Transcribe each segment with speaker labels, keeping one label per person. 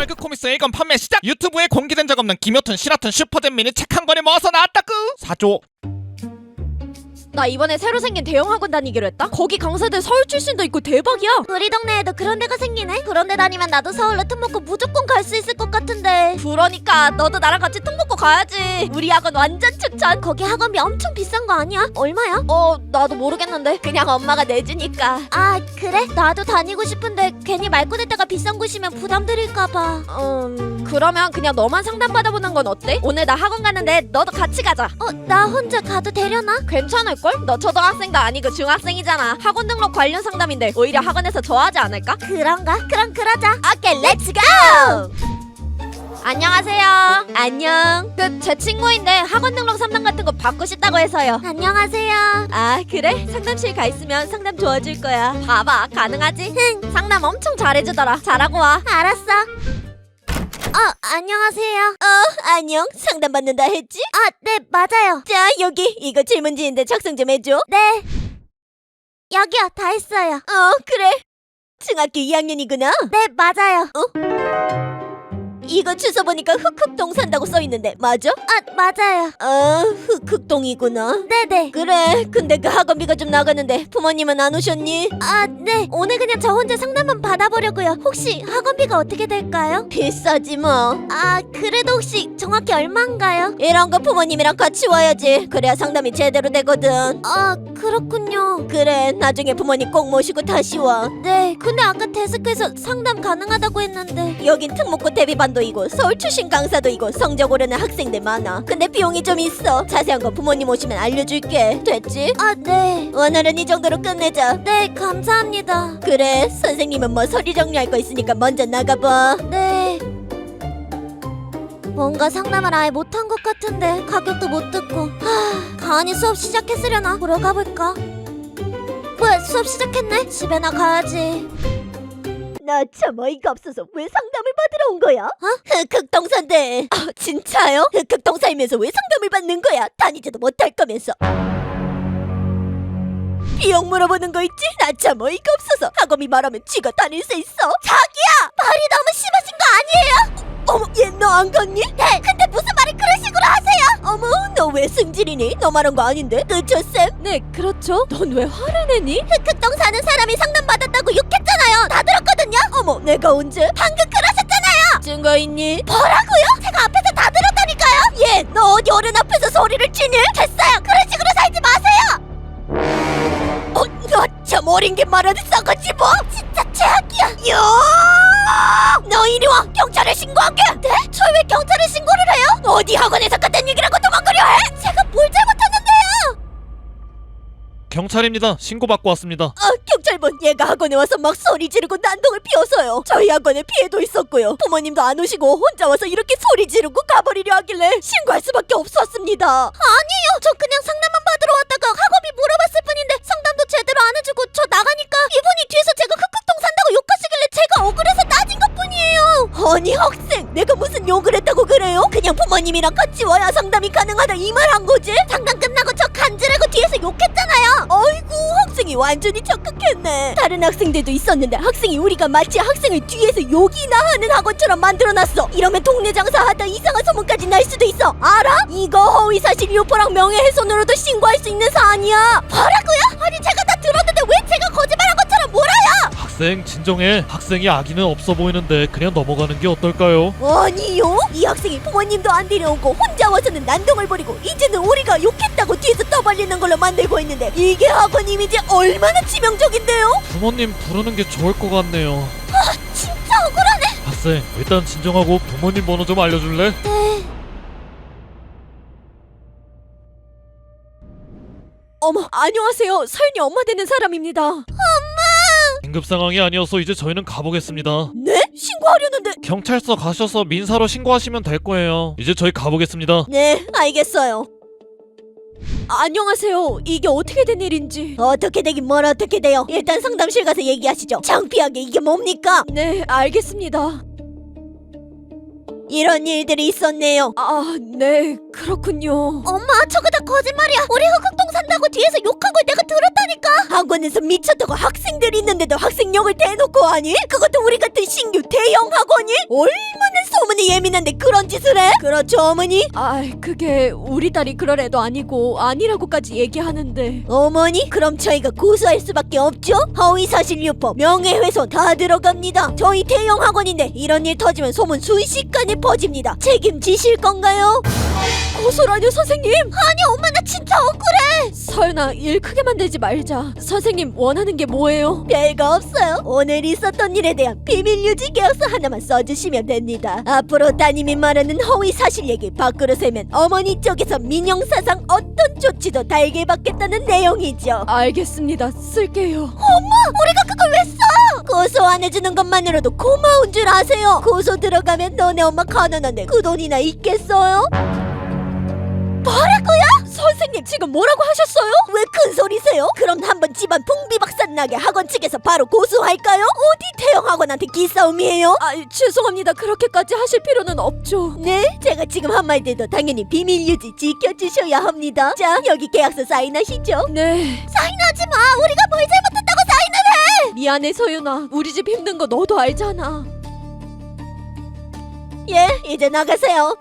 Speaker 1: 다크 코믹스 1권 판매 시작! 유튜브에 공개된 적 없는 김효툰, 신화툰, 슈퍼잼 미니 책 한 권을 모아서 나왔다구! 사줘!
Speaker 2: 나 이번에 새로 생긴 대형 학원 다니기로 했다? 거기 강사들 서울 출신도 있고 대박이야.
Speaker 3: 우리 동네에도 그런 데가 생기네. 그런데 다니면 나도 서울로 특목고 무조건 갈 수 있을 것 같은데.
Speaker 2: 그러니까 너도 나랑 같이 특목고 가야지. 우리 학원 완전 추천.
Speaker 3: 거기 학원비 엄청 비싼 거 아니야? 얼마야?
Speaker 2: 나도 모르겠는데 그냥 엄마가 내주니까.
Speaker 3: 아 그래? 나도 다니고 싶은데 괜히 말 꺼낼 때가 비싼 곳이면 부담드릴까봐.
Speaker 2: 그러면 그냥 너만 상담받아보는 건 어때? 오늘 나 학원 가는데 너도 같이 가자.
Speaker 3: 나 혼자 가도 되려나?
Speaker 2: 괜찮을걸? 너 초등학생도 아니고 중학생이잖아. 학원 등록 관련 상담인데 오히려 학원에서 좋아하지 않을까?
Speaker 3: 그런가? 그럼 그러자.
Speaker 2: 오케이 렛츠고! 안녕하세요. 안녕. 제 친구인데 학원 등록 상담 같은 거 받고 싶다고 해서요.
Speaker 3: 안녕하세요.
Speaker 2: 아 그래? 상담실 가 있으면 상담 도와줄 거야. 봐봐 가능하지? 상담 엄청 잘해주더라. 잘하고 와.
Speaker 3: 알았어. 안녕하세요.
Speaker 2: 안녕. 상담 받는다 했지?
Speaker 3: 네 맞아요.
Speaker 2: 자 여기 이거 질문지인데 작성 좀 해줘.
Speaker 3: 네. 여기요 다 했어요.
Speaker 2: 그래. 중학교 2학년이구나.
Speaker 3: 네 맞아요.
Speaker 2: 이거 주소 보니까 흑흑동 산다고 써있는데 맞아?
Speaker 3: 맞아요.
Speaker 2: 흑흑동이구나.
Speaker 3: 네네.
Speaker 2: 그래 근데 그 학원비가 좀 나가는데 부모님은 안 오셨니?
Speaker 3: 네. 오늘 그냥 저 혼자 상담만 받아보려고요. 혹시 학원비가 어떻게 될까요?
Speaker 2: 비싸지 뭐.
Speaker 3: 그래도 혹시 정확히 얼마인가요?
Speaker 2: 이런 거 부모님이랑 같이 와야지. 그래야 상담이 제대로 되거든.
Speaker 3: 그렇군요.
Speaker 2: 그래 나중에 부모님 꼭 모시고 다시 와.
Speaker 3: 네. 근데 아까 데스크에서 상담 가능하다고 했는데.
Speaker 2: 여긴 특목고 대비반도 있고 서울 출신 강사도 있고 성적 오르는 학생들 많아. 근데 비용이 좀 있어. 자세한 거 부모님 오시면 알려줄게. 됐지?
Speaker 3: 네.
Speaker 2: 오늘은 이 정도로 끝내자.
Speaker 3: 네, 감사합니다.
Speaker 2: 그래 선생님은 뭐 서류 정리할 거 있으니까 먼저 나가봐.
Speaker 3: 네. 뭔가 상담을 아예 못한 것 같은데 가격도 못 듣고. 가은이 수업 시작했으려나? 보러 가볼까? 뭐야 수업 시작했네? 집에나 가야지.
Speaker 2: 나 참 어이가 없어서 왜 상담을 받으러 온 거야? 흑흑동사인데. 진짜요? 흑흑동 살면서 왜 상담을 받는 거야? 다니지도 못할 거면서. 비용 물어보는 거 있지? 나 참 어이가 없어서. 학원비 말하면 쥐가 다닐 수 있어. 자기야! 말이 너무 심하신 거 아니에요? 어머 얘 너 안 갔니?
Speaker 3: 네, 근데 무슨 말을 그런 식으로 하세요?
Speaker 2: 어머 너 왜 승질이니? 너 말한 거 아닌데? 그쵸 쌤?
Speaker 4: 네, 그렇죠. 넌 왜 화를 내니?
Speaker 3: 흑흑동 사는 사람이 상담받았다고 욕했잖아요. 다 들었거든요?
Speaker 2: 어머 내가 언제?
Speaker 3: 방금 그러셨잖아요.
Speaker 2: 증거 있니?
Speaker 3: 뭐라고요? 제가 앞에서 다 들었다니까요.
Speaker 2: 얘 너 어디 어른 앞에서 소리를 치니?
Speaker 3: 됐어요. 그런 식으로 살지 마세요.
Speaker 2: 너 참 어린 게 말하는 싸가지 뭐?
Speaker 3: 진짜 최악이야.
Speaker 2: 야! 너 이리 와! 경찰에 신고하게!
Speaker 3: 네? 저 왜 경찰에 신고를 해요?
Speaker 2: 어디 학원에서 같은 얘기라고 도망가려 해?
Speaker 3: 제가 뭘 잘못했는데요?
Speaker 1: 경찰입니다. 신고받고 왔습니다.
Speaker 2: 경찰분 얘가 학원에 와서 막 소리 지르고 난동을 피워서요. 저희 학원에 피해도 있었고요. 부모님도 안 오시고 혼자 와서 이렇게 소리 지르고 가버리려 하길래 신고할 수밖에 없었습니다.
Speaker 3: 아니에요. 저 그냥 상담만 받으러 왔다가 학원비 물어봤을 뿐인데 상담도 제대로 안 해주고 저 나가니까 이분이 뒤에서 제가 흑흑동 산다고 욕하시길래 제가 억울해서 따진 것뿐이에요.
Speaker 2: 아니 학생 내가 무슨 욕을 했다고 그래요? 그냥 부모님이랑 같이 와야 상담이 가능하다 이 말 한 거지?
Speaker 3: 상담 끝나고 저 간지르고 뒤에서 욕했잖아요.
Speaker 2: 아이고 학생이 완전히 적극했네. 다른 학생들도 있었는데 학생이 우리가 마치 학생을 뒤에서 욕이나 하는 학원처럼 만들어놨어. 이러면 동네 장사하다 이상한 소문까지 날 수도 있어. 알아? 이거 허위사실 유포랑 명예훼손으로도 신고할 수 있는 사안이야.
Speaker 3: 뭐라고요? 아니 제가 다 들었는데 왜 제가 거짓말한 것처럼 몰아요?
Speaker 1: 학생 진정해. 학생이 악의는 없어 보이는데 그냥 넘어가는 게 어떨까요?
Speaker 2: 아니요. 이 학생이 부모님도 안 데려오고 혼자 와서는 난동을 부리고 이제는 우리가 욕했다고 뒤에서 떠벌리는 걸로 만들고 있는데 이게 학원 이미지 얼마나 치명적인데요?
Speaker 1: 부모님 부르는 게 좋을 것 같네요.
Speaker 3: 진짜 억울하네.
Speaker 1: 학생 일단 진정하고 부모님 번호 좀 알려줄래?
Speaker 3: 네.
Speaker 4: 어머, 안녕하세요. 서윤이 엄마 되는 사람입니다.
Speaker 1: 긴급 상황이 아니어서 이제 저희는 가보겠습니다.
Speaker 2: 네? 신고하려는데.
Speaker 1: 경찰서 가셔서 민사로 신고하시면 될 거예요. 이제 저희 가보겠습니다.
Speaker 2: 네 알겠어요.
Speaker 4: 안녕하세요. 이게 어떻게 된 일인지.
Speaker 2: 어떻게 되긴 뭘 어떻게 돼요. 일단 상담실 가서 얘기하시죠. 창피하게 이게 뭡니까?
Speaker 4: 네, 알겠습니다.
Speaker 2: 이런 일들이 있었네요.
Speaker 4: 네, 그렇군요.
Speaker 3: 엄마 저거 다 거짓말이야. 우리 흑흑동 산다고 뒤에서 욕한 걸 내가 들었다니까.
Speaker 2: 학원에서 미쳤다고 학생들이 있는데도 학생역을 대놓고 하니? 그것도 우리 같은 신규 대형 학원이? 얼마나 소문이 예민한데 그런 짓을 해? 그렇죠 어머니?
Speaker 4: 그게 우리 딸이 그럴 애도 아니고 아니라고까지 얘기하는데.
Speaker 2: 어머니? 그럼 저희가 고소할 수밖에 없죠? 허위사실 유포, 명예훼손 다 들어갑니다. 저희 대형 학원인데 이런 일 터지면 소문 순식간에 퍼집니다. 책임지실 건가요?
Speaker 4: 고소라뇨 선생님?
Speaker 3: 아니 엄마 나 진짜 억울해.
Speaker 4: 서연아, 일 크게 만들지 말자. 선생님 원하는 게 뭐예요?
Speaker 2: 별거 없어요. 오늘 있었던 일에 대한 비밀 유지 계약서 하나만 써주시면 됩니다. 앞으로 따님이 말하는 허위 사실 얘기 밖으로 세면 어머니 쪽에서 민형사상 어떤 조치도 달게 받겠다는 내용이죠.
Speaker 4: 알겠습니다. 쓸게요.
Speaker 2: 우리가 그걸 왜 써? 고소 안 해주는 것만으로도 고마운 줄 아세요? 고소 들어가면 너네 엄마 가난한데 그 돈이나 있겠어요?
Speaker 4: 뭐라고요? 선생님 지금 뭐라고 하셨어요?
Speaker 2: 왜 큰 소리세요? 그럼 한번 집안 풍비박산 나게 학원 측에서 바로 고소할까요? 어디 대형 학원한테 기싸움이에요?
Speaker 4: 죄송합니다. 그렇게까지 하실 필요는 없죠.
Speaker 2: 네, 제가 지금 한 말들도 당연히 비밀 유지 지켜주셔야 합니다. 자, 여기 계약서 사인하시죠.
Speaker 4: 네.
Speaker 3: 사인하지 마. 우리가 뭘 잘못했다고 사인을 해.
Speaker 4: 미안해 서윤아. 우리 집 힘든 거 너도 알잖아.
Speaker 2: 예, 이제 나가세요.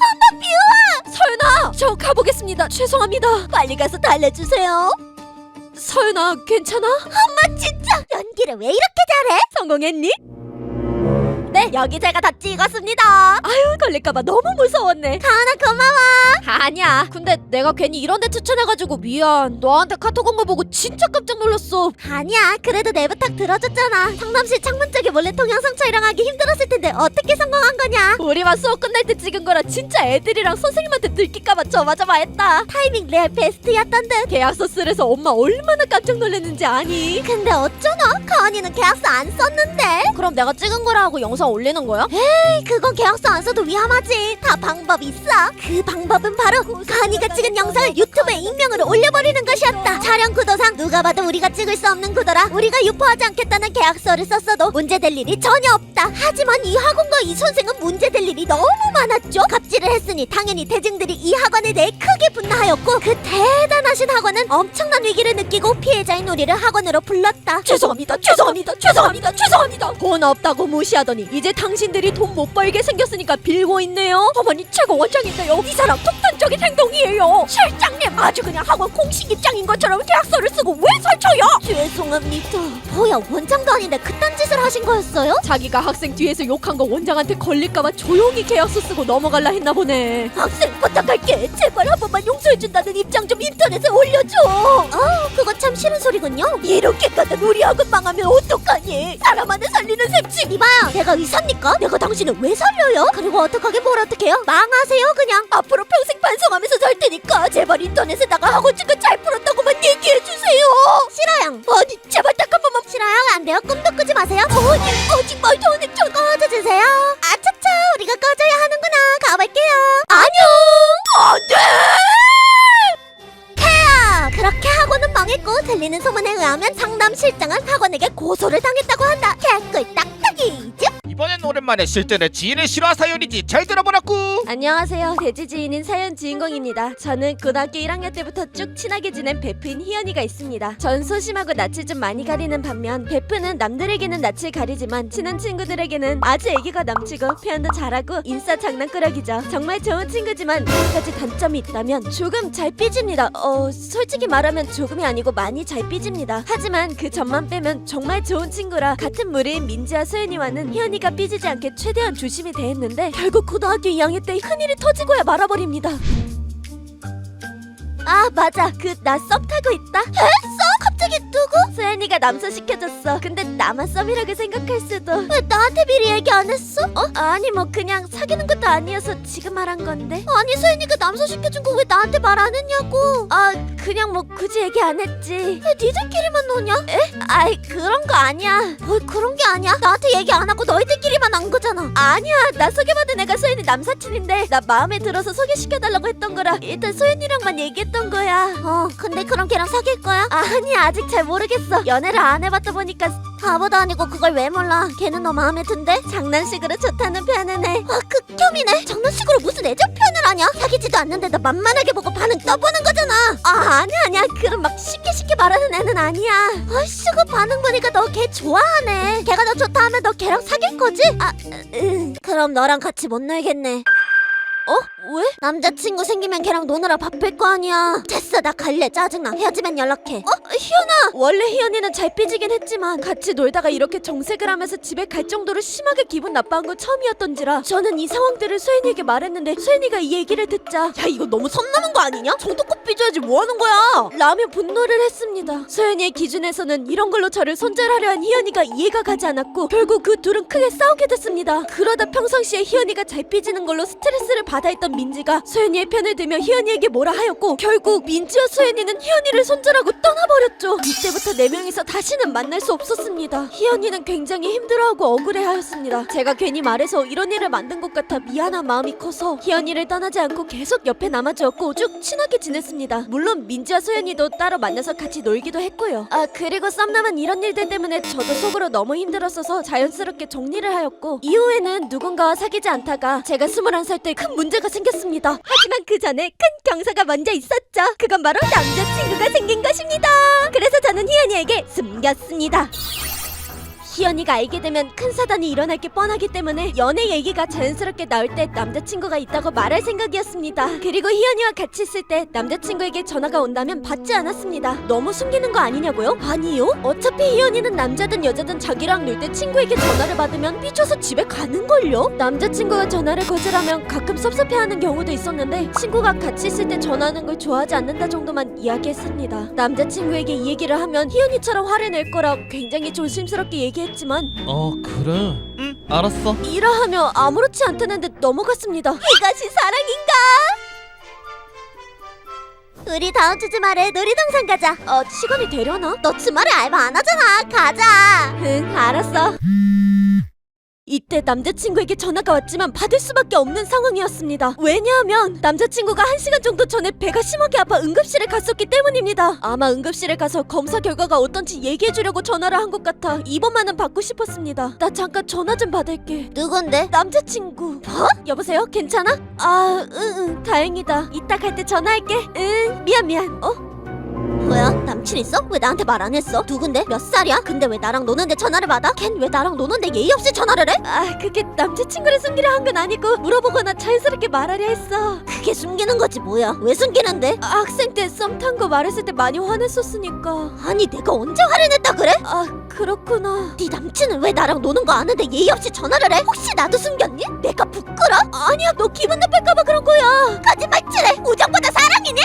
Speaker 4: 서윤아, 저 가보겠습니다. 죄송합니다.
Speaker 2: 빨리 가서 달래주세요.
Speaker 4: 서윤아, 괜찮아?
Speaker 3: 진짜 연기를 왜 이렇게 잘해?
Speaker 2: 성공했니?
Speaker 3: 네 여기 제가 다 찍었습니다.
Speaker 4: 걸릴까봐 너무 무서웠네.
Speaker 3: 가은아 고마워.
Speaker 4: 아니야. 근데 내가 괜히 이런 데 추천해가지고 미안. 너한테 카톡 온 거 보고 진짜 깜짝 놀랐어.
Speaker 3: 아니야 그래도 내 부탁 들어줬잖아. 상담실 창문 쪽에 몰래 동영상 촬영하기 힘들었을 텐데 어떻게 성공한 거냐.
Speaker 4: 우리만 수업 끝날 때 찍은 거라 진짜 애들이랑 선생님한테 들킬까봐 저마저마했다.
Speaker 3: 타이밍 레알 베스트였던 듯.
Speaker 4: 계약서 쓰래서 엄마 얼마나 깜짝 놀랐는지 아니?
Speaker 3: 근데 어쩌나? 가은이는 계약서 안 썼는데.
Speaker 4: 그럼 내가 찍은 거라 하고 영상 올리는 거야?
Speaker 3: 에이 그건 계약서 안 써도 위험하지. 다 방법 있어. 그 방법은 바로 가은이가 찍은 영상을 유튜브에 익명으로 올려버리는 것이었다. 촬영 구도상 누가 봐도 우리가 찍을 수 없는 구도라 우리가 유포하지 않겠다는 계약서를 썼어도 문제될 일이 전혀 없다. 하지만 이 학원과 이 선생은 문제될 일이 너무 많았죠. 갑질을 했으니 당연히 대중들이 이 학원에 대해 크게 분노하였고 그 대단하신 학원은 엄청난 위기를 느끼고 피해자인 우리를 학원으로 불렀다.
Speaker 4: 죄송합니다. 돈 없다고 무시하더니 이제 당신들이 돈 못 벌게 생겼으니까 빌고 있네요. 어머니 최고 원장인데요. 이 사람 폭탄적인 행동이에요. 실장님 아주 그냥 학원 공식 입장인 것처럼 계약서를 쓰고 왜 설쳐요?
Speaker 2: 죄송합니다.
Speaker 3: 뭐야 원장도 아닌데 그딴 짓을 하신 거였어요?
Speaker 4: 자기가 학생 뒤에서 욕한 거 원장한테 걸릴까봐 조용히 계약서 쓰고 넘어갈라 했나 보네.
Speaker 2: 학생 부탁할게. 제발 한 번만 용서해준다는 입장 좀 인터넷에 올려줘.
Speaker 3: 그거 참 싫은 소리군요.
Speaker 2: 이렇게까지 우리 학원 망하면 어떡하니? 사람 하나 살리는 셈치.
Speaker 3: 이봐요 내가 의사입니까? 내가 당신을 왜 살려요? 그리고 어떡하게 뭘 어떡해요? 망하세요 그냥.
Speaker 2: 앞으로 평생 반성하면서 살 테니까 제발 인터넷에다가 학원 측은 잘 풀었다고만 얘기해주세요.
Speaker 3: 싫어요.
Speaker 2: 아니 제발 딱 한 번만.
Speaker 3: 싫어요 안 돼요. 꿈도 꾸지 마세요.
Speaker 2: 아니 아직 말도 안 했죠.
Speaker 3: 꺼져주세요. 아차차 우리가 꺼져야 하는구나. 가볼게요.
Speaker 2: 안돼.
Speaker 3: 그렇게 학원은 망했고 들리는 소문에 의하면 상담 실장은 학원에게 고소를 당했다고 한다. 개꿀 딱딱이죠?
Speaker 1: 이번엔 오랜만에 실제로 지인의 실화 사연이지. 잘 들어보라꾸.
Speaker 4: 안녕하세요. 돼지 지인인 사연 주인공입니다. 저는 고등학교 1학년 때부터 쭉 친하게 지낸 베프인 희연이가 있습니다. 전 소심하고 낯을 좀 많이 가리는 반면 베프는 남들에게는 낯을 가리지만 친한 친구들에게는 아주 애기가 넘치고 표현도 잘하고 인싸 장난꾸러기죠. 정말 좋은 친구지만 몇 가지 단점이 있다면 조금 잘 삐집니다. 솔직히 말하면 조금이 아니고 많이 잘 삐집니다. 하지만 그 점만 빼면 정말 좋은 친구라 같은 무리인 민지와 소연이와는 희연이가 삐지지 않게 최대한 조심히 대했는데 결국 고등학교 2학년 때 큰일이 터지고야 말아버립니다. 아 맞아, 그 나 썸 타고 있다.
Speaker 3: 갑자기 누구?
Speaker 4: 소연이가 남소시켜줬어. 근데 나만 썸이라고 생각할 수도.
Speaker 3: 왜 나한테 미리 얘기 안 했어?
Speaker 4: 아니 뭐 그냥 사귀는 것도 아니어서 지금 말한 건데.
Speaker 3: 아니 소연이가 남소시켜준 거 왜 나한테 말 안 했냐고.
Speaker 4: 그냥 뭐 굳이 얘기 안 했지.
Speaker 3: 왜 니들끼리만 노냐?
Speaker 4: 아이 그런 거 아니야.
Speaker 3: 뭘 그런 게 아니야. 나한테 얘기 안 하고 너희들끼리만 한 거잖아.
Speaker 4: 아니야, 나 소개받은 애가 소연이 남사친인데 나 마음에 들어서 소개시켜달라고 했던 거라 일단 소연이랑만 얘기했던 거야.
Speaker 3: 근데 그럼 걔랑 사귈 거야?
Speaker 4: 아니 아직 잘 모르겠어. 연애를 안 해봤다 보니까
Speaker 3: 바보도 아니고 그걸 왜 몰라. 걔는 너 마음에 든대?
Speaker 4: 장난식으로 좋다는 표현은 해.
Speaker 3: 아 극혐이네. 장난식으로 무슨 애정 표현을 하냐? 사귀지도 않는데도 만만하게 보고 반응 떠보는 거잖아.
Speaker 4: 아 아니야 그런 막 쉽게 말하는 애는 아니야.
Speaker 3: 아이씨 그 반응 보니까 너 걔 좋아하네. 걔가 너 좋다 하면 너 걔랑 사귈 거지? 그럼 너랑 같이 못 놀겠네.
Speaker 4: 왜?
Speaker 3: 남자친구 생기면 걔랑 노느라 바쁠 거 아니야. 됐어 나 갈래. 짜증나. 헤어지면 연락해.
Speaker 4: 희연아! 원래 희연이는 잘 삐지긴 했지만 같이 놀다가 이렇게 정색을 하면서 집에 갈 정도로 심하게 기분 나빠한 건 처음이었던지라 저는 이 상황들을 소연이에게 말했는데 소연이가 이 얘기를 듣자 야 이거 너무 선 넘은 거 아니냐? 정도껏 삐져야지 뭐 하는 거야? 라며 분노를 했습니다. 소연이의 기준에서는 이런 걸로 저를 손절하려 한 희연이가 이해가 가지 않았고 결국 그 둘은 크게 싸우게 됐습니다. 그러다 평상시에 희연이가 잘 삐지는 걸로 스트레스를 받아 있던 민지가 소연이의 편을 들며 희연이에게 뭐라 하였고 결국 민지와 소연이는 희연이를 손절하고 떠나버렸죠. 이때부터 네 명이서 다시는 만날 수 없었습니다. 희연이는 굉장히 힘들어하고 억울해하였습니다. 제가 괜히 말해서 이런 일을 만든 것 같아 미안한 마음이 커서 희연이를 떠나지 않고 계속 옆에 남아주었고 쭉 친하게 지냈습니다. 물론 민지와 소연이도 따로 만나서 같이 놀기도 했고요. 아 그리고 썸남은 이런 일들 때문에 저도 속으로 너무 힘들었어서 자연스럽게 정리를 하였고 이후에는 누군가와 사귀지 않다가 제가 21살 때 큰 문제가 생겼습니다. 하지만 그 전에 큰 경사가 먼저 있었죠. 그건 바로 남자친구가 생긴 것입니다. 그래서 저는 희연이에게 숨겼습니다. 희연이가 알게 되면 큰 사단이 일어날 게 뻔하기 때문에 연애 얘기가 자연스럽게 나올 때 남자친구가 있다고 말할 생각이었습니다. 그리고 희연이와 같이 있을 때 남자친구에게 전화가 온다면 받지 않았습니다. 너무 숨기는 거 아니냐고요? 아니요. 어차피 희연이는 남자든 여자든 자기랑 놀 때 친구에게 전화를 받으면 삐쳐서 집에 가는걸요? 남자친구가 전화를 거절하면 가끔 섭섭해하는 경우도 있었는데 친구가 같이 있을 때 전화하는 걸 좋아하지 않는다 정도만 이야기했습니다. 남자친구에게 이 얘기를 하면 희연이처럼 화를 낼 거라 굉장히 조심스럽게 얘기했지만
Speaker 1: 그래. 응, 알았어.
Speaker 4: 이러하며 아무렇지 않다는 듯 넘어갔습니다.
Speaker 3: 이것이 사랑인가? 우리 다음 주 주말에 놀이동산 가자.
Speaker 4: 시간이 되려나?
Speaker 3: 너 주말에 알바 안 하잖아. 가자.
Speaker 4: 응, 알았어. 이때 남자친구에게 전화가 왔지만 받을 수밖에 없는 상황이었습니다. 왜냐하면 남자친구가 1시간 정도 전에 배가 심하게 아파 응급실에 갔었기 때문입니다. 아마 응급실에 가서 검사 결과가 어떤지 얘기해주려고 전화를 한 것 같아 이번만은 받고 싶었습니다. 나 잠깐 전화 좀 받을게.
Speaker 3: 누군데?
Speaker 4: 남자친구. 뭐? 여보세요? 괜찮아? 응, 다행이다. 이따 갈 때 전화할게. 응, 미안.
Speaker 3: 뭐야? 남친 있어? 왜 나한테 말 안 했어? 누군데? 몇 살이야? 근데 왜 나랑 노는데 전화를 받아? 걘 왜 나랑 노는데 예의 없이 전화를 해?
Speaker 4: 그게 남자친구를 숨기려 한 건 아니고 물어보거나 자연스럽게 말하려 했어.
Speaker 3: 그게 숨기는 거지 뭐야? 왜 숨기는데?
Speaker 4: 학생 때 썸 탄 거 말했을 때 많이 화냈었으니까.
Speaker 3: 아니 내가 언제 화를 냈다 그래?
Speaker 4: 그렇구나.
Speaker 3: 네 남친은 왜 나랑 노는 거 아는데 예의 없이 전화를 해? 혹시 나도 숨겼니? 내가 부끄러?
Speaker 4: 아니야, 너 기분 나쁠까봐 그런 거야.
Speaker 3: 거짓말치래. 우정보다 사랑이니?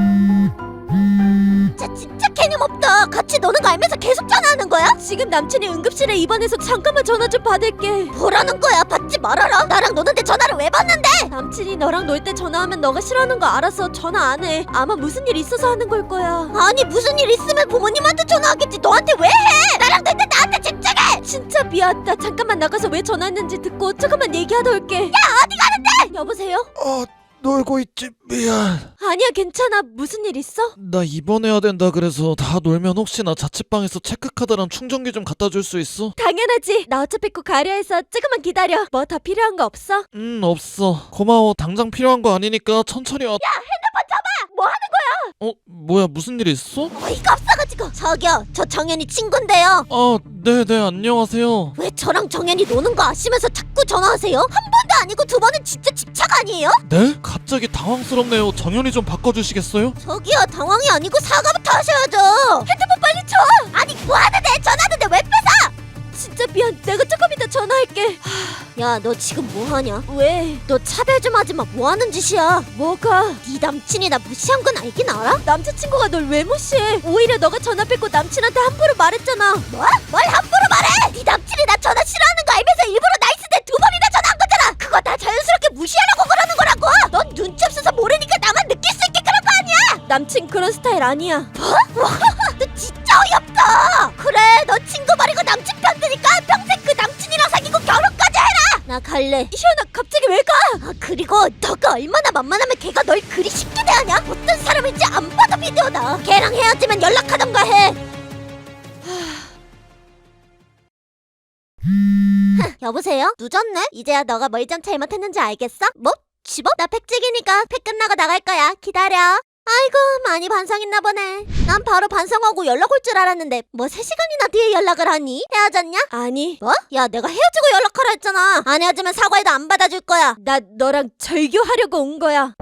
Speaker 3: 진짜 개념없다. 같이 노는 거 알면서 계속 전화하는 거야?
Speaker 4: 지금 남친이 응급실에 입원해서 잠깐만 전화 좀 받을게.
Speaker 3: 뭐라는 거야? 받지 말아라. 나랑 노는데 전화를 왜 받는데?
Speaker 4: 남친이 너랑 놀 때 전화하면 너가 싫어하는 거 알아서 전화 안 해. 아마 무슨 일 있어서 하는 걸 거야.
Speaker 3: 아니 무슨 일 있으면 부모님한테 전화하겠지. 너한테 왜 해? 나랑 놀 때 나한테 집중해.
Speaker 4: 진짜 미안. 나 잠깐만 나가서 왜 전화했는지 듣고 조금만 얘기하다 올게.
Speaker 3: 야 어디 가는데?
Speaker 4: 여보세요?
Speaker 1: 놀고 있지. 미안.
Speaker 4: 아니야, 괜찮아. 무슨 일 있어?
Speaker 1: 나 입원해야 된다 그래서 다 놀면 혹시나 자취방에서 체크카드랑 충전기 좀 갖다 줄 수 있어?
Speaker 4: 당연하지. 나 어차피 꼭 가려 해서 조금만 기다려. 뭐 더 필요한 거 없어?
Speaker 1: 없어. 고마워. 당장 필요한 거 아니니까 천천히 와.
Speaker 3: 핸드폰 잡아. 뭐 하는 거야?
Speaker 1: 뭐야, 무슨 일 있어?
Speaker 3: 어이가 없어가지고. 저기요, 저 정연이 친구인데요.
Speaker 1: 네네, 안녕하세요.
Speaker 3: 왜 저랑 정연이 노는 거 아시면서 자꾸 전화하세요? 한 번도 아니고 두 번은 진짜 집착 아니에요?
Speaker 1: 네? 갑자기 당황스럽네요. 정연이 좀 바꿔주시겠어요?
Speaker 3: 저기요, 당황이 아니고 사과부터 하셔야죠. 핸드폰 빨리 쳐. 아니 뭐 하는데? 전화하는데 왜 뺏어?
Speaker 4: 진짜 미안. 내가 조금 이따 전화할게.
Speaker 3: 야, 너 지금 뭐 하냐?
Speaker 4: 왜?
Speaker 3: 너 차별 좀 하지 마. 뭐 하는 짓이야?
Speaker 4: 뭐가?
Speaker 3: 네 남친이 나 무시한 건 알긴 알아?
Speaker 4: 남자친구가 널 왜 무시해? 오히려 너가 전화 뺏고 남친한테 함부로 말했잖아.
Speaker 3: 뭐? 뭘 함부로 말해? 네 남친이 나 전화 싫어하는 거 알면서 일부러 나이스데 2번이나 전화한 거잖아. 그거 다 자연스럽게 무시하려고 그러는 거라고. 넌 눈치 없어서 모르니까 나만 느낄 수 있게 그런 거 아니야?
Speaker 4: 남친 그런 스타일 아니야.
Speaker 3: 너 진짜 어이없다. 그래, 너 친구 버리고 남친 편 드니까 평생 그 남친이랑 사귀고 결혼까지 해라. 나 갈래.
Speaker 4: 희연아, 갑자기 왜 가?
Speaker 3: 그리고 너가 얼마나 만만하면 걔가 널 그리 쉽게 대하냐? 어떤 사람인지 안 봐도 비디오다. 걔랑 헤어지면 연락하던가 해. 여보세요? 늦었네? 이제야 너가 뭘 좀 잘못했는지 알겠어? 뭐? 집업? 나 팩찍이니까 팩 끝나고 나갈 거야. 기다려. 아이고 많이 반성했나 보네. 난 바로 반성하고 연락 올 줄 알았는데 뭐 3시간이나 뒤에 연락을 하니? 헤어졌냐?
Speaker 4: 아니,
Speaker 3: 뭐? 야 내가 헤어지고 연락하라 했잖아. 안 헤어지면 사과해도 안 받아줄 거야.
Speaker 4: 나 너랑 절교하려고 온 거야.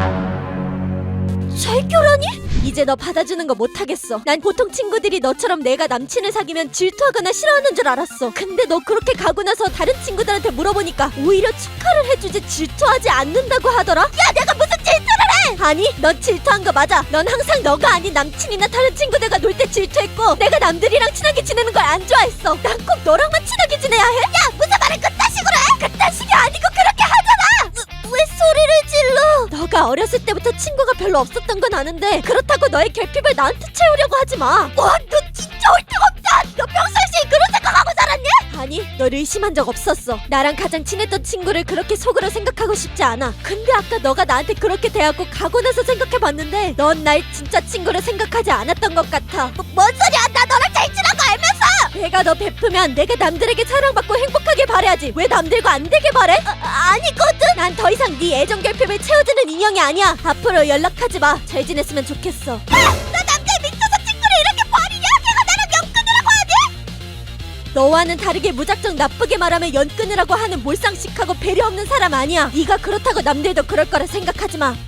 Speaker 3: 절교라니?
Speaker 4: 이제 너 받아주는 거 못하겠어. 난 보통 친구들이 너처럼 내가 남친을 사귀면 질투하거나 싫어하는 줄 알았어. 근데 너 그렇게 가고 나서 다른 친구들한테 물어보니까 오히려 축하를 해주지 질투하지 않는다고 하더라.
Speaker 3: 야 내가 무슨 질투를 해?
Speaker 4: 아니, 넌 질투한 거 맞아. 넌 항상 너가 아닌 남친이나 다른 친구들과 놀 때 질투했고 내가 남들이랑 친하게 지내는 걸 안 좋아했어. 난 꼭 너랑만 친하게 지내야 해?
Speaker 3: 야 무슨 말을 그딴 식으로 해? 그딴 식이 아니고 그렇게 하잖아. 왜 소리를 질러?
Speaker 4: 너가 어렸을 때부터 친구가 별로 없었던 건 아는데 그렇다고 너의 결핍을 나한테 채우려고 하지 마.
Speaker 3: 와 너 진짜 얼떡없다. 너 평상시에 그런 생각하고 살았니?
Speaker 4: 아니, 널 의심한 적 없었어. 나랑 가장 친했던 친구를 그렇게 속으로 생각하고 싶지 않아. 근데 아까 너가 나한테 그렇게 대하고 가고 나서 생각해봤는데 넌 날 진짜 친구로 생각하지 않았던 것 같아.
Speaker 3: 뭔 소리야? 나 너랑 제일 친한 거 알면서.
Speaker 4: 내가 너 베프면 내가 남들에게 사랑받고 행복하게 바래야지. 왜 남들과 안 되게 바래?
Speaker 3: 아니거든.
Speaker 4: 난 더 이상 네 애정 결핍을 채워주는 인형이 아니야. 앞으로 연락하지 마. 잘 지냈으면 좋겠어.
Speaker 3: 너 남자에 미쳐서 친구를 이렇게 버리냐? 걔가 나랑 연 끊으라고 하니?
Speaker 4: 너와는 다르게 무작정 나쁘게 말하면 연 끊으라고 하는 몰상식하고 배려 없는 사람 아니야. 네가 그렇다고 남들도 그럴 거라 생각하지 마.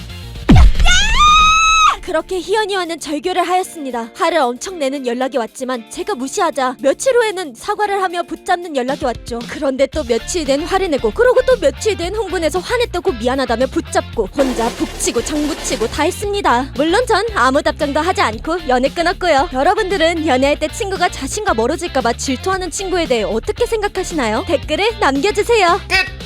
Speaker 4: 그렇게 희연이와는 절교를 하였습니다. 화를 엄청 내는 연락이 왔지만 제가 무시하자 며칠 후에는 사과를 하며 붙잡는 연락이 왔죠. 그런데 또 며칠 된 화를 내고 그러고 또 며칠 된 흥분해서 화냈다고 미안하다며 붙잡고 혼자 북치고 장구치고 다 했습니다. 물론 전 아무 답장도 하지 않고 연애 끊었고요. 여러분들은 연애할 때 친구가 자신과 멀어질까봐 질투하는 친구에 대해 어떻게 생각하시나요? 댓글을 남겨주세요.
Speaker 1: 끝!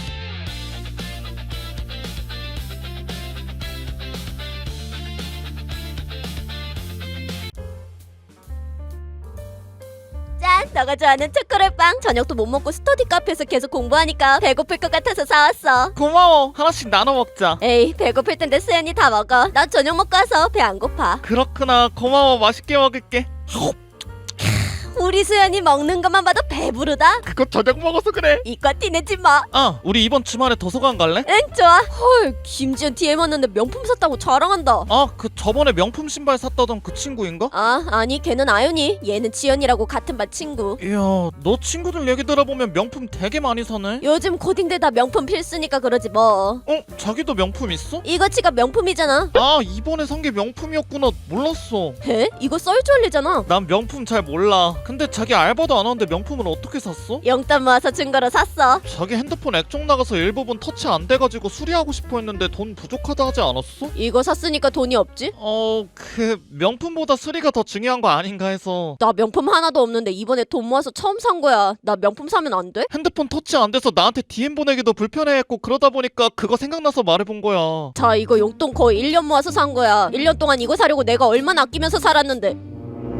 Speaker 4: 짠! 너가 좋아하는 초콜릿빵. 저녁도 못 먹고 스터디 카페에서 계속 공부하니까 배고플 것 같아서 사왔어.
Speaker 1: 고마워. 하나씩 나눠 먹자.
Speaker 4: 에이, 배고플 텐데 수연이 다 먹어. 나 저녁 먹고 와서 배 안 고파.
Speaker 1: 그렇구나. 고마워. 맛있게 먹을게.
Speaker 4: 우리 수연이 먹는 것만 봐도 배부르다.
Speaker 1: 그거 저녁 먹어서 그래.
Speaker 4: 이과 티내지 마.
Speaker 1: 아, 우리 이번 주말에 도서관 갈래?
Speaker 4: 응, 좋아. 헐, 김지연 DM 왔는데 명품 샀다고 자랑한다.
Speaker 1: 아, 그 저번에 명품 신발 샀다던 그 친구인가?
Speaker 4: 아, 아니, 걔는 아윤이. 얘는 지연이라고 같은 반 친구.
Speaker 1: 이야, 너 친구들 얘기 들어보면 명품 되게 많이 사네?
Speaker 4: 요즘 고딩들 다 명품 필수니까 그러지 뭐.
Speaker 1: 어? 자기도 명품 있어?
Speaker 4: 이거치가 명품이잖아.
Speaker 1: 아, 이번에 산 게 명품이었구나. 몰랐어.
Speaker 4: 에? 이거 썰줄리잖아.
Speaker 1: 난 명품 잘 몰라. 근데 자기 알바도 안 하는데 명품을 어떻게 샀어?
Speaker 4: 영단 모아서 준 거로 샀어.
Speaker 1: 자기 핸드폰 액정 나가서 일부분 터치 안 돼가지고 수리하고 싶어 했는데 돈 부족하다 하지 않았어?
Speaker 4: 이거 샀으니까 돈이 없지?
Speaker 1: 그 명품보다 수리가 더 중요한 거 아닌가 해서.
Speaker 4: 나 명품 하나도 없는데 이번에 돈 모아서 처음 산 거야. 나 명품 사면 안 돼?
Speaker 1: 핸드폰 터치 안 돼서 나한테 DM 보내기도 불편해했고 그러다 보니까 그거 생각나서 말해본 거야.
Speaker 4: 자, 이거 용돈 거의 1년 모아서 산 거야. 1년 동안 이거 사려고 내가 얼마나 아끼면서 살았는데.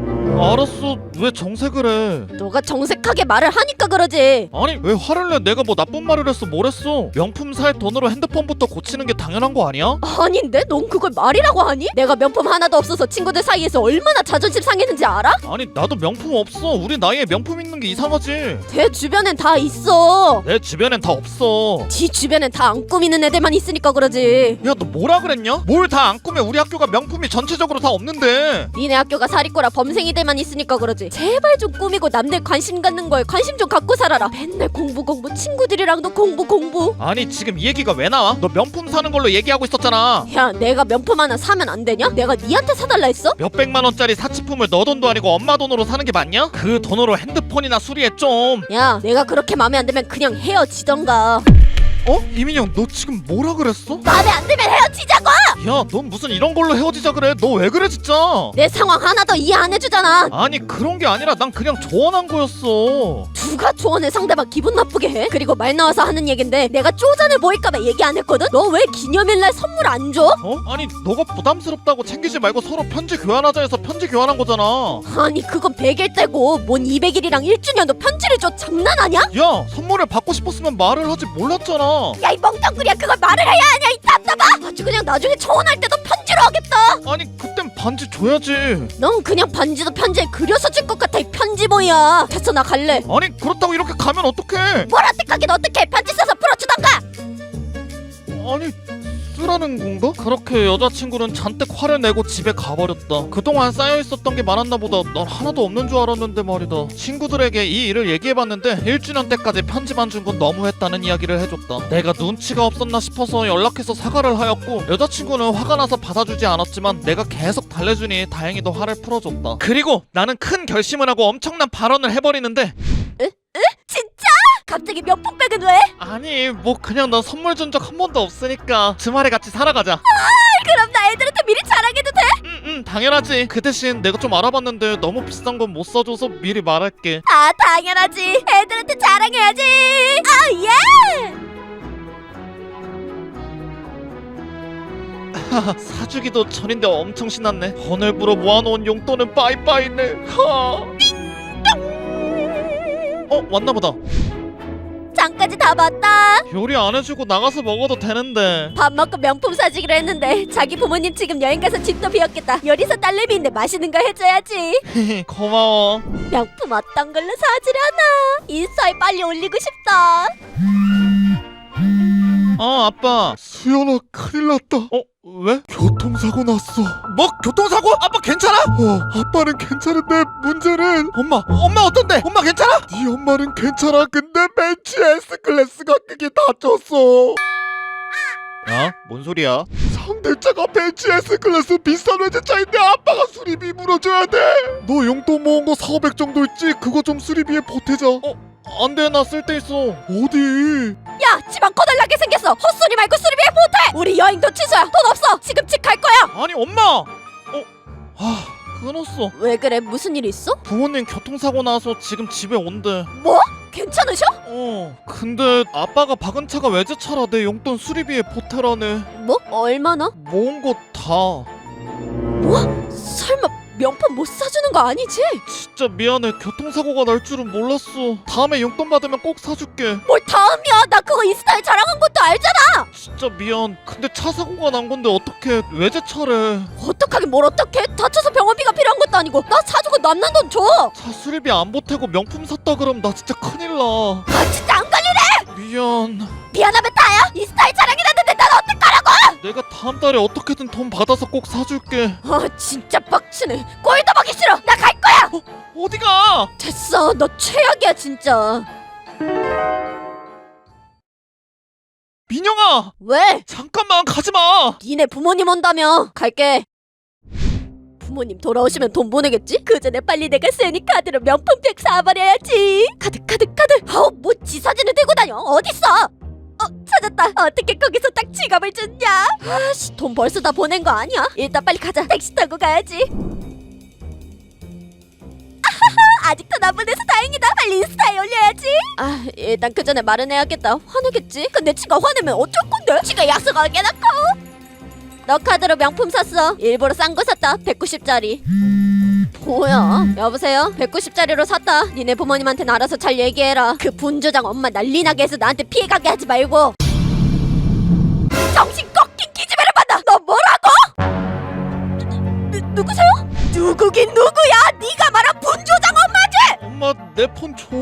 Speaker 1: 알았어. 왜 정색을 해?
Speaker 4: 너가 정색하게 말을 하니까 그러지.
Speaker 1: 아니 왜 화를 내? 내가 뭐 나쁜 말을 했어? 뭘 했어? 명품 살 돈으로 핸드폰부터 고치는 게 당연한 거 아니야?
Speaker 4: 아닌데? 넌 그걸 말이라고 하니? 내가 명품 하나도 없어서 친구들 사이에서 얼마나 자존심 상했는지 알아?
Speaker 1: 아니 나도 명품 없어. 우리 나이에 명품 있는 게 이상하지.
Speaker 4: 내 주변엔 다 있어.
Speaker 1: 내 주변엔 다 없어.
Speaker 4: 네 주변엔 다 안 꾸미는 애들만 있으니까 그러지.
Speaker 1: 야 너 뭐라 그랬냐? 뭘 다 안 꾸며? 우리 학교가 명품이 전체적으로 다 없는데.
Speaker 4: 니네 학교가 사리꼬라 범생이들만 있으니까 그러지. 제발 좀 꾸미고 남들 관심 갖는 거에 관심 좀 갖고 살아라. 맨날 공부 친구들이랑도 공부.
Speaker 1: 아니 지금 이 얘기가 왜 나와? 너 명품 사는 걸로 얘기하고 있었잖아.
Speaker 4: 야, 내가 명품 하나 사면 안 되냐? 내가 니한테 사달라 했어?
Speaker 1: 몇백만 원짜리 사치품을 너 돈도 아니고 엄마 돈으로 사는 게 맞냐? 그 돈으로 핸드폰이나 수리해 좀.
Speaker 4: 야, 내가 그렇게 마음에 안 들면 그냥 헤어지던가.
Speaker 1: 어? 이민영 너 지금 뭐라 그랬어?
Speaker 3: 마음에 안 들면 헤어지자고.
Speaker 1: 야 넌 무슨 이런 걸로 헤어지자 그래? 너 왜 그래 진짜?
Speaker 4: 내 상황 하나도 이해 안 해주잖아.
Speaker 1: 아니 그런 게 아니라 난 그냥 조언한 거였어.
Speaker 4: 누가 조언해 상대방 기분 나쁘게 해? 그리고 말 나와서 하는 얘긴데 내가 쪼잔해 보일까봐 얘기 안 했거든? 너 왜 기념일날 선물 안 줘?
Speaker 1: 어? 아니 너가 부담스럽다고 챙기지 말고 서로 편지 교환하자 해서 편지 교환한 거잖아.
Speaker 4: 아니 그건 100일 때고 뭔 200일이랑 1주년도 편지를 줘. 장난하냐?
Speaker 1: 야 선물을 받고 싶었으면 말을 하지 몰랐잖아.
Speaker 3: 야 이 멍텅구리야 그걸 말을 해야 하냐 이 답답아.
Speaker 4: 아주 그냥 나중에 청혼할 때도 편지
Speaker 2: 하겠다.
Speaker 1: 아니 그땐 반지 줘야지.
Speaker 2: 넌 그냥 반지도 편지에 그려서 줄 것 같아. 이 편지 뭐야. 됐어, 나 갈래.
Speaker 1: 아니 그렇다고 이렇게 가면 어떡해.
Speaker 2: 뭘 어떡하긴 어떡해. 편지 써서 풀어주던가.
Speaker 1: 아니 쓰라는 건가? 그렇게 여자친구는 잔뜩 화를 내고 집에 가버렸다. 그동안 쌓여있었던 게 많았나 보다. 난 하나도 없는 줄 알았는데 말이다. 친구들에게 이 일을 얘기해봤는데 1주년 때까지 편지만 준 건 너무했다는 이야기를 해줬다. 내가 눈치가 없었나 싶어서 연락해서 사과를 하였고 여자친구는 화가 나서 받아주지 않았지만 내가 계속 달래주니 다행히도 화를 풀어줬다. 그리고 나는 큰 결심을 하고 엄청난 발언을 해버리는데
Speaker 2: 진짜? 갑자기 명품백은 왜?
Speaker 1: 아니 뭐 그냥 나 선물 준 적 한 번도 없으니까 주말에 같이 살아가자.
Speaker 2: 그럼 나 애들한테 미리 자랑해도 돼?
Speaker 1: 당연하지. 그 대신 내가 좀 알아봤는데 너무 비싼 건 못 사줘서 미리 말할게.
Speaker 2: 아, 당연하지. 애들한테 자랑해야지. 아, 예!
Speaker 1: 사주기도 전인데 엄청 신났네. 오늘부로 모아놓은 용돈은 빠이빠이네. 왔나보다.
Speaker 2: 장까지 다 봤다.
Speaker 1: 요리 안 해주고 나가서 먹어도 되는데.
Speaker 2: 밥 먹고 명품 사주기로 했는데 자기 부모님 지금 여행 가서 집도 비웠겠다. 요리사 딸내미인데 맛있는 거 해줘야지.
Speaker 1: 고마워.
Speaker 2: 명품 어떤 걸로 사주려나? 인스타에 빨리 올리고 싶다.
Speaker 1: 아빠.
Speaker 5: 수연아, 큰일 났다.
Speaker 1: 왜?
Speaker 5: 교통사고 났어.
Speaker 1: 뭐 교통사고? 아빠 괜찮아?
Speaker 5: 아빠는 괜찮은데 문제는
Speaker 1: 엄마 어떤데? 엄마 괜찮아?
Speaker 5: 네 엄마는 괜찮아. 근데 벤츠 S클래스가 그게 다쳤어.
Speaker 1: 야, 뭔 소리야?
Speaker 5: 상대차가 벤츠 S클래스 비싼 외제차인데 아빠가 수리비 물어줘야 돼. 너 용돈 모은 거 4,500 정도 있지? 그거 좀 수리비에 보태자.
Speaker 1: 안돼, 나 쓸 데 있어.
Speaker 5: 어디?
Speaker 2: 야, 집안 거덜나게 생겼어. 헛소리 말고 수리비에 보태. 우리 여행도 취소야. 돈 없어. 지금 집 갈 거야.
Speaker 1: 아니 엄마. 끊었어.
Speaker 2: 왜 그래? 무슨 일 있어?
Speaker 1: 부모님 교통사고 나서 지금 집에 온대.
Speaker 2: 뭐? 괜찮으셔?
Speaker 1: 근데 아빠가 박은 차가 외제차라 내 용돈 수리비에 보태라네.
Speaker 2: 뭐? 얼마나?
Speaker 1: 모은 거 다.
Speaker 2: 설마 명품 못 사주는 거 아니지?
Speaker 1: 진짜 미안해. 교통사고가 날 줄은 몰랐어. 다음에 용돈 받으면 꼭 사줄게.
Speaker 2: 뭘 다음이야? 나 그거 인스타에 자랑한 것도 알잖아.
Speaker 1: 진짜 미안. 근데 차 사고가 난 건데 어떻게 외제차래.
Speaker 2: 어떡하긴 뭘 어떡해? 다쳐서 병원비가 필요한 것도 아니고. 나 사주고 남는 돈 줘.
Speaker 1: 차 수리비 안 보태고 명품 샀다 그럼 나 진짜 큰일 나.
Speaker 2: 아, 진짜 안 걸리네.
Speaker 1: 미안.
Speaker 2: 미안하면 다야. 인스타에 자랑해놨는데 난 어떡하라고?
Speaker 1: 내가 다음 달에 어떻게든 돈 받아서 꼭 사줄게.
Speaker 2: 아, 진짜 빡치네. 꼴도 보기 싫어. 나 갈 거야.
Speaker 1: 어디가?
Speaker 2: 됐어. 너 최악이야 진짜.
Speaker 1: 민영아!
Speaker 2: 왜?
Speaker 1: 잠깐만 가지마!
Speaker 2: 니네 부모님 온다며. 갈게. 부모님 돌아오시면 돈 보내겠지? 그 전에 빨리 내가 세니 카드로 명품백 사버려야지. 카드. 아우, 뭐 지사진을 들고 다녀. 어딨어? 찾았다. 어떻게 거기서 딱 지갑을 줬냐? 아씨, 돈 벌써 다 보낸 거 아니야? 일단 빨리 가자. 택시 타고 가야지. 아하하, 아직도 나보내서 다행이다. 빨리 인스타에 올려야지. 아, 일단 그 전에 말은 해야겠다. 화내겠지? 근데 지가 화내면 어쩔 건데? 지가 약속 어겨놓고. 너 카드로 명품 샀어. 일부러 싼 거 샀다. 190짜리. 뭐야? 여보세요? 190짜리로 샀다. 니네 부모님한테는 알아서 잘 얘기해라. 그 분조장 엄마 난리나게 해서 나한테 피해가게 하지 말고. 정신 꺾인 기집애를 받아. 너 뭐라고? 누구세요? 누구긴 누구야? 네가 말한 분조장 엄마지?
Speaker 1: 엄마 내 폰 줘.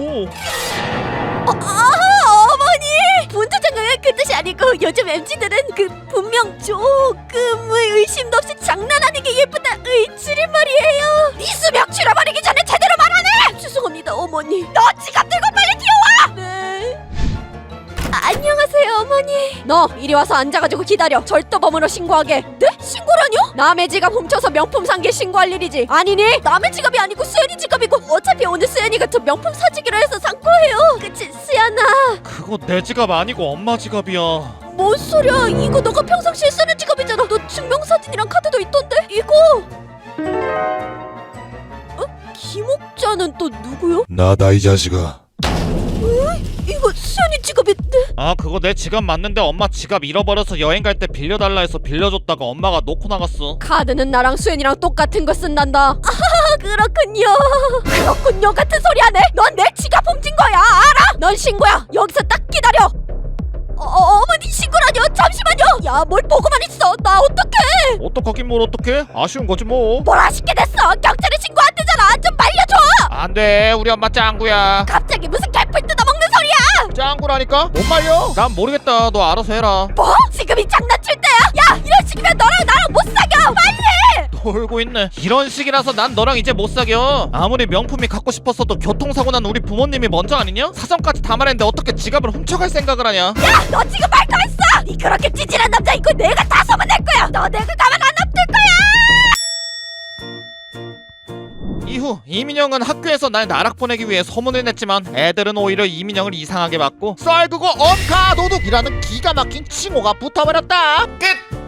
Speaker 2: 어머니! 분조장은 그 뜻이 아니고 요즘 MZ들은 그 분명 조금의 의심도 없이 장난 아니게 예쁘다 의 줄임말이에요. 네 수명 줄여버리기 전에 제대로 말하네! 죄송합니다 어머니. 너 지갑 들고 빨리 뛰어와! 네. 안녕하세요 어머니. 너 이리 와서 앉아가지고 기다려. 절도범으로 신고하게. 네? 신고라뇨? 남의 지갑 훔쳐서 명품 산 게 신고할 일이지. 아니니? 남의 지갑이 아니고 수연이 지갑이고 어차피 오늘 수연이가 저 명품 사주기로 해서 산 거예요. 그치 수연아?
Speaker 1: 그거 내 지갑 아니고 엄마 지갑이야.
Speaker 2: 뭔 소리야? 이거 너가 평상시에 쓰는 지갑이잖아. 너 증명사진이랑 카드도 있던데? 이거 김옥자는 또 누구요?
Speaker 5: 나다 이 자식아.
Speaker 2: 이거 수연이 지갑인데?
Speaker 1: 아 그거 내 지갑 맞는데 엄마 지갑 잃어버려서 여행 갈 때 빌려달라 해서 빌려줬다가 엄마가 놓고 나갔어.
Speaker 2: 카드는 나랑 수연이랑 똑같은 거 쓴단다. 아 그렇군요 같은 소리 하네. 넌 내 지갑 훔친 거야 알아? 넌 신고야. 여기서 딱 기다려. 어머니 신고라뇨? 잠시만요. 야 뭘 보고만 있어. 나 어떡해?
Speaker 1: 어떡하긴 뭘 어떡해? 아쉬운 거지 뭐.
Speaker 2: 뭘 아쉽게 됐어. 경찰에 신고한 대잖아. 좀 말려줘.
Speaker 1: 안돼, 우리 엄마 짱구야.
Speaker 2: 갑자기 무슨 개뿔 뜯어먹는 소리야.
Speaker 1: 짱구라니까? 못 말려? 난 모르겠다. 너 알아서 해라.
Speaker 2: 뭐? 지금이 장난칠 때야? 야, 이런 식이면 너랑 나랑 못 사겨. 빨리.
Speaker 1: 놀고 있네. 이런 식이라서 난 너랑 이제 못 사겨. 아무리 명품이 갖고 싶었어도 교통사고 난 우리 부모님이 먼저 아니냐? 사정까지 다 말했는데 어떻게 지갑을 훔쳐갈 생각을 하냐?
Speaker 2: 야, 너 지금 말까했어. 니 그렇게 찌질한 남자 있고 내가 다 소문낼 거야. 너 내가 가만 안 놔둘 거야.
Speaker 1: 이후 이민영은 학교에서 날 나락 보내기 위해 소문을 냈지만 애들은 오히려 이민영을 이상하게 봤고 쌀그거 엄카 도둑이라는 기가 막힌 칭호가 붙어버렸다. 끝!